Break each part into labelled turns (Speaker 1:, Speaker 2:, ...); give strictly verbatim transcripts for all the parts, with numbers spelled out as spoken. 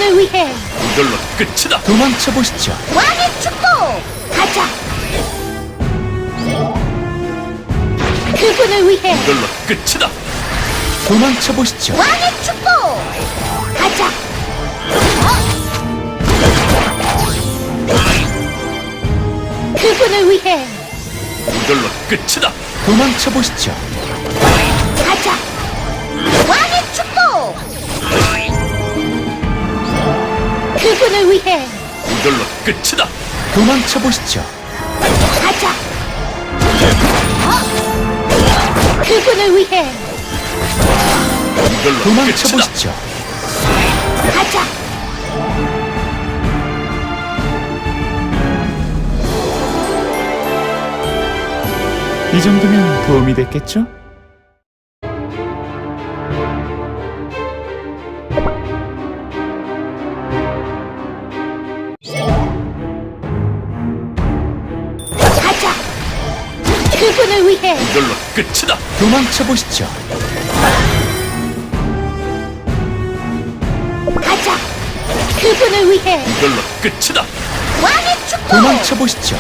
Speaker 1: 그분을 위해
Speaker 2: 이걸로 끝이다.
Speaker 3: 도망쳐 보시죠.
Speaker 1: 왕의 축복! 가자! 그분을 위해
Speaker 2: 이걸로 끝이다.
Speaker 3: 도망쳐 보시죠.
Speaker 1: 왕의 축복! 가자! 그분을 위해
Speaker 2: 이걸로 끝이다.
Speaker 3: 도망쳐 보시죠.
Speaker 1: 가자! 왕의 축복! 그분을 위해
Speaker 2: 이걸로 끝이다.
Speaker 3: 도망쳐 보시죠.
Speaker 1: 가자! 그분을 위해
Speaker 2: 이걸로
Speaker 3: 도망쳐
Speaker 2: 끝이다.
Speaker 3: 보시죠.
Speaker 1: 가자!
Speaker 3: 이 정도면 도움이 됐겠죠?
Speaker 1: 가자! 그분을 위해
Speaker 2: 이걸로 끝이다.
Speaker 3: 도망쳐 보시죠.
Speaker 1: 가자! 그분을 위해
Speaker 2: 이걸로 끝이다.
Speaker 1: 왕의 축복!
Speaker 3: 도망쳐 보시죠.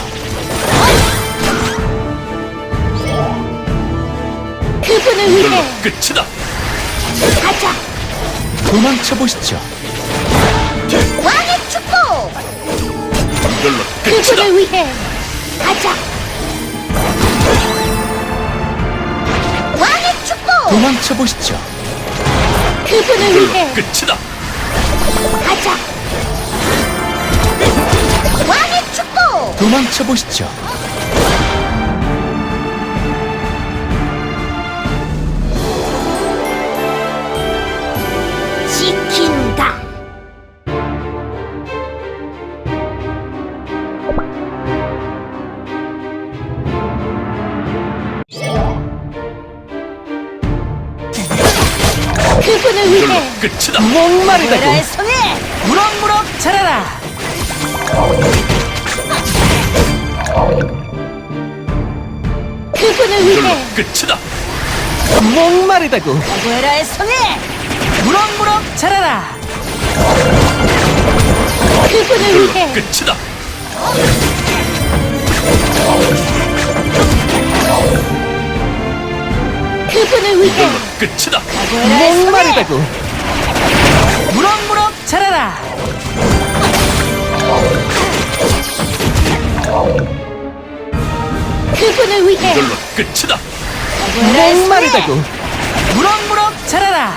Speaker 1: 그분을
Speaker 2: 이걸로
Speaker 1: 위해
Speaker 2: 끝이다.
Speaker 1: 가자!
Speaker 3: 도망쳐 보시죠.
Speaker 1: 왕의 축복!
Speaker 2: 이걸로 끝이다.
Speaker 1: 그분을 위해 가자! 왕의 축복!
Speaker 3: 도망쳐 보시죠.
Speaker 1: 그분을
Speaker 2: 이걸로
Speaker 1: 위해
Speaker 2: 끝이다.
Speaker 1: 가자! 왕의 축복!
Speaker 3: 도망쳐 보시죠.
Speaker 1: 지킨다! 그분을
Speaker 2: 이걸로
Speaker 1: 위해
Speaker 2: 끝이다.
Speaker 3: 목마르다고
Speaker 1: 나라의 손에
Speaker 3: 무럭무럭 자라라.
Speaker 1: 그분을
Speaker 2: 이걸로
Speaker 1: 위해
Speaker 2: 끝이다.
Speaker 3: 목마르다고
Speaker 1: 나라의 손에
Speaker 3: 무럭무럭 자라라.
Speaker 1: 그분을
Speaker 2: 이걸로
Speaker 1: 위해
Speaker 2: 끝이다.
Speaker 1: 그분을 위해
Speaker 2: 이걸로 끝이다.
Speaker 1: 나라의 손에
Speaker 3: 목마르다고 무럭무럭 자라라.
Speaker 1: 그분을 위해
Speaker 2: 이걸로 끝이다.
Speaker 1: 나라의 손에
Speaker 3: 목마르다고 무럭무럭 자라라.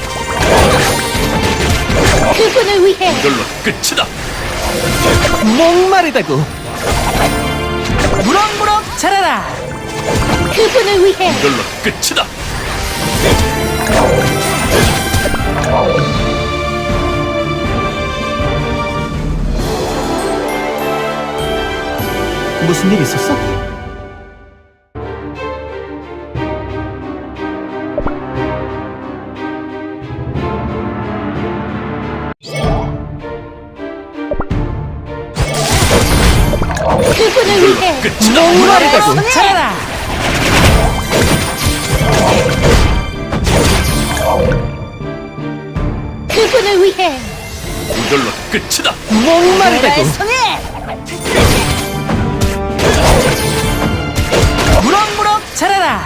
Speaker 1: 그분을 위해
Speaker 2: 이걸로 끝이다.
Speaker 3: 목마르다고 무럭무럭 자라라.
Speaker 1: 그분을 위해
Speaker 2: 이걸로 끝이다.
Speaker 3: 무슨 일 있었어?
Speaker 1: 그분을 위해
Speaker 2: 끝이다.
Speaker 3: 목마르다고
Speaker 1: 손에
Speaker 3: 자라라.
Speaker 1: 그분을 위해
Speaker 2: 이걸로 끝이다.
Speaker 3: 목마르다고
Speaker 1: 손에
Speaker 3: 무럭무럭 자라라.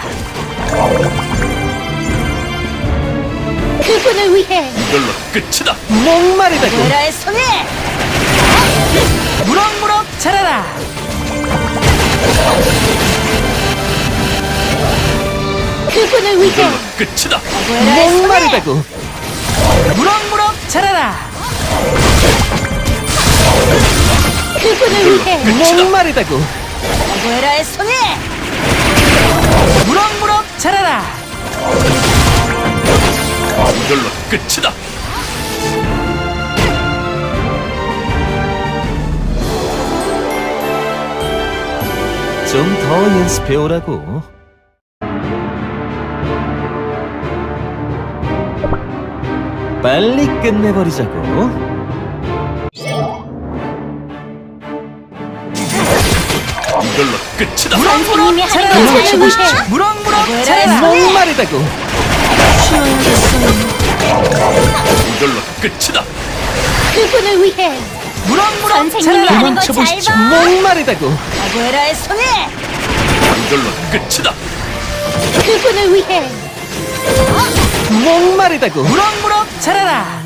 Speaker 1: 그분을 위해
Speaker 2: 이걸로 끝이다.
Speaker 3: 목마르다고
Speaker 1: 나라의 손에
Speaker 3: 무럭무럭 자라라.
Speaker 1: 그분을 위해
Speaker 2: 이걸로 끝이다.
Speaker 1: 나라의 손에
Speaker 3: 목마르다고 무럭무럭 자라라.
Speaker 1: 그분을 위해
Speaker 3: 목마르다고
Speaker 1: 나라의 손에
Speaker 3: 무럭무럭 자라라.
Speaker 2: 이걸로 끝이다.
Speaker 3: 좀 더 연습해 오라고. 빨리 끝내버리자고.
Speaker 2: 이걸로 끝이다.
Speaker 1: 선생님이 하는
Speaker 3: 도망쳐
Speaker 1: 것을
Speaker 3: 보시죠.
Speaker 1: 위해
Speaker 3: 무럭무럭
Speaker 1: 자라라.
Speaker 3: 목마르다고.
Speaker 1: 쉬어야겠어요.
Speaker 2: 이걸로 끝이다.
Speaker 1: 그분을 위해
Speaker 3: 무럭무럭
Speaker 1: 선생님이
Speaker 3: 자라라.
Speaker 1: 하는 거 잘
Speaker 3: 도망쳐보시죠.
Speaker 1: 봐.
Speaker 3: 목마르다고.
Speaker 1: 아구에라의 손에
Speaker 2: 이걸로 끝이다.
Speaker 1: 그분을 위해
Speaker 3: 목마르다고. 무럭무럭 자라라.